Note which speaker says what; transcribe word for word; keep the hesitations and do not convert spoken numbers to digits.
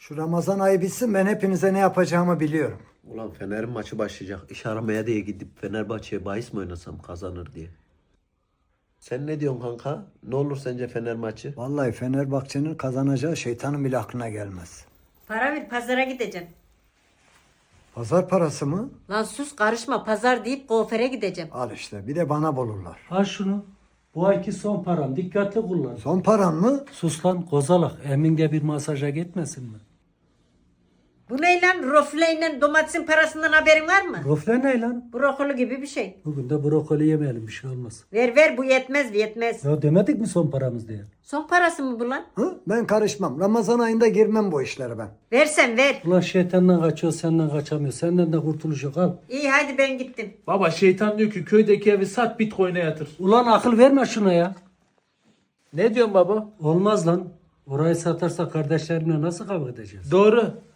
Speaker 1: Şu Ramazan ayı bitsin, ben hepinize ne yapacağımı biliyorum.
Speaker 2: Ulan Fener'in maçı başlayacak. İş aramaya diye gidip Fenerbahçe'ye bahis mi oynasam kazanır diye. Sen ne diyorsun kanka? Ne olur sence Fener maçı?
Speaker 1: Vallahi Fenerbahçe'nin kazanacağı şeytanın bile aklına gelmez.
Speaker 3: Para ver, pazara gideceğim.
Speaker 1: Pazar parası mı?
Speaker 3: Lan sus, karışma, pazar deyip kuaföre gideceğim.
Speaker 1: Al işte, bir de bana bulurlar.
Speaker 4: Al şunu. Bu ayki son param. Dikkatli kullan.
Speaker 1: Son paran mı?
Speaker 4: Sus lan kozalak. Emin de bir masaja gitmesin mi?
Speaker 3: Bu ne lan? Rofleyle domatesin parasından haberin var mı?
Speaker 4: Rofle ne lan?
Speaker 3: Brokoli gibi bir şey.
Speaker 4: Bugün de brokoli yemeyelim, bir şey olmaz.
Speaker 3: Ver ver, bu yetmez yetmez.
Speaker 4: Ya demedik mi son paramız diye?
Speaker 3: Son parası mı bu lan?
Speaker 1: Hı? Ben karışmam. Ramazan ayında girmem bu işlere ben.
Speaker 3: Versen ver.
Speaker 4: Ulan şeytandan kaçıyor, senden kaçamıyor. Senden de kurtuluş yok, al.
Speaker 3: İyi hadi ben gittim.
Speaker 5: Baba şeytan diyor ki köydeki evi sat Bitcoin'e yatır.
Speaker 4: Ulan akıl verme şuna ya.
Speaker 5: Ne diyorsun baba?
Speaker 4: Olmaz lan. Orayı satarsa kardeşlerimle nasıl kavga edeceğiz?
Speaker 5: Doğru.